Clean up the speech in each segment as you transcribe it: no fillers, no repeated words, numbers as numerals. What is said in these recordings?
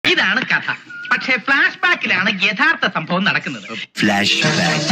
ഇതാണ് കഥ. പക്ഷേ ഫ്ലാഷ് ബാക്കിലാണ് യഥാർത്ഥ സംഭവം നടക്കുന്നത്. Flashback.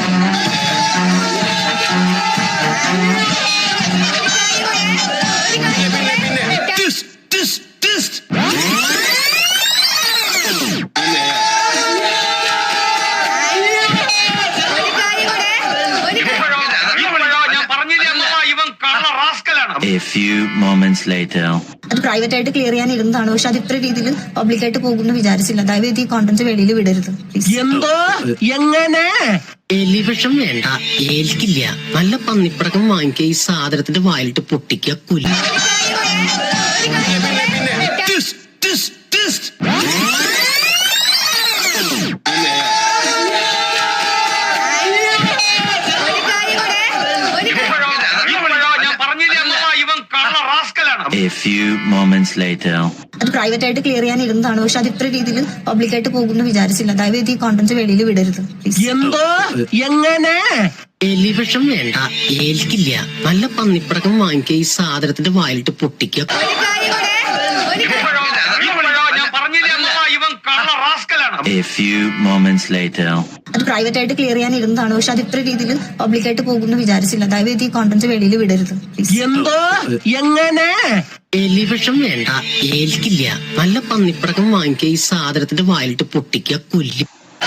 A few moments later. അത് പ്രൈവറ്റ് ആയിട്ട് ക്ലിയർ ചെയ്യാൻ ഇരുന്നതാണ്. പക്ഷെ അത് ഇത്ര രീതിയിൽ പബ്ലിക്കായിട്ട് പോകുമെന്ന് വിചാരിച്ചില്ല. ദയവേത് ഈ കോണ്ടന്റ് വെളിയിൽ വിടരുത്. എന്തോ എങ്ങനെ എലിവിഷം വേണ്ട, ഏൽക്കില്ല. നല്ല പന്നിപ്പടക്കം വാങ്ങിക്കുക, ഈ സാധനത്തിന്റെ വായിലിട്ട് പൊട്ടിക്കുക, കുലി. A few moments later. അത് പ്രൈവറ്റ് ആയിട്ട് ക്ലിയർ ചെയ്യാൻ ഇരുന്നതാണ്. പക്ഷെ അത് ഇത്ര രീതിയിൽ പബ്ലിക്കായിട്ട് പോകുമെന്ന് വിചാരിച്ചില്ല. ദയവേത് ഈ കോണ്ടന്റ് വെളിയിൽ വിടരുത്. എന്തോ എങ്ങനെ എലിവിഷം വേണ്ട, ഏൽക്കില്ല. നല്ല പന്നിപ്പടക്കം വാങ്ങിക്കുക, ഈ സാധനത്തിന്റെ വായിലിട്ട് പൊട്ടിക്കുക. A few moments later. അത് പ്രൈവറ്റ് ആയിട്ട് ക്ലിയർ ചെയ്യാൻ ഇരുന്നതാണ്. പക്ഷെ അത് ഇത്ര രീതിയിൽ പബ്ലിക്കായിട്ട് പോകുമെന്ന് വിചാരിച്ചില്ല. ദയവേത് ഈ കോണ്ടന്റ് വെളിയിൽ വിടരുത്. എന്തോ എങ്ങനെ എലിവിഷം വേണ്ട, ഏൽക്കില്ല. നല്ല പന്നിപ്പടക്കം വാങ്ങിക്കുക, ഈ സാധനത്തിന്റെ വായിലിട്ട് പൊട്ടിക്കുക, കുലി.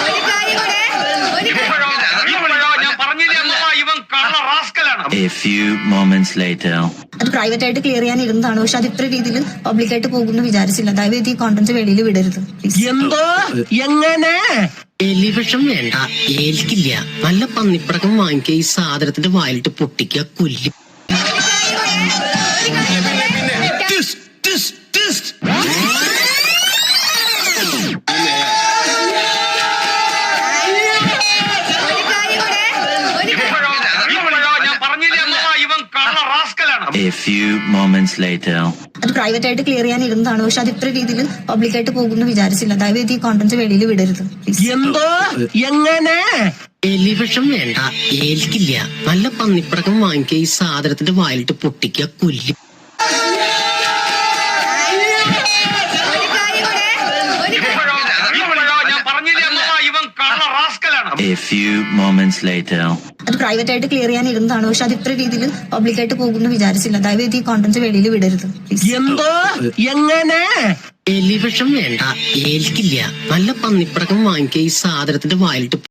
A few moments later. അത് പ്രൈവറ്റ് ആയിട്ട് ക്ലിയർ ചെയ്യാൻ ഇരുന്നതാണ്. പക്ഷെ അത് ഇത്ര രീതിയിൽ പബ്ലിക്കായിട്ട് പോകുമെന്ന് വിചാരിച്ചില്ല. ദയവേത് ഈ കോണ്ടന്റ് വെളിയിൽ വിടരുത്. എന്തോ എങ്ങനെ എലിവിഷം വേണ്ട, ഏൽക്കില്ല. നല്ല പന്നിപ്പടക്കം വാങ്ങിക്കുക, ഈ സാധനത്തിന്റെ വായിലിട്ട് പൊട്ടിക്കുക, കുലി. A few moments later. അത് പ്രൈവറ്റ് ആയിട്ട് ക്ലിയർ ചെയ്യാൻ ഇരുന്നതാണ്. പക്ഷെ അത് ഇത്ര രീതിയിൽ പബ്ലിക്കായിട്ട് പോകുമെന്ന് വിചാരിച്ചില്ല. ദയവേത് ഈ കോണ്ടന്റ് വെളിയിൽ വിടരുത്. എന്തോ എങ്ങനെ എലിവിഷം വേണ്ട, ഏൽക്കില്ല. നല്ല പന്നിപ്പടക്കം വാങ്ങിക്കുക, ഈ സാധനത്തിന്റെ വായിലിട്ട് പൊട്ടിക്കുക, കുലി. A few moments later. അത് പ്രൈവറ്റ് ആയിട്ട് ക്ലിയർ ചെയ്യാൻ ഇരുന്നതാണ്. പക്ഷെ അത് ഇത്ര രീതിയിൽ പബ്ലിക്കായിട്ട് പോകുമെന്ന് വിചാരിച്ചില്ല. ദയവേത് ഈ കോണ്ടന്റ് വെളിയിൽ വിടരുത്. എന്തോ എങ്ങനെ എലിവിഷം വേണ്ട, ഏൽക്കില്ല. നല്ല പന്നിപ്പടക്കം വാങ്ങിക്കുക, ഈ സാധനത്തിന്റെ വായിലിട്ട്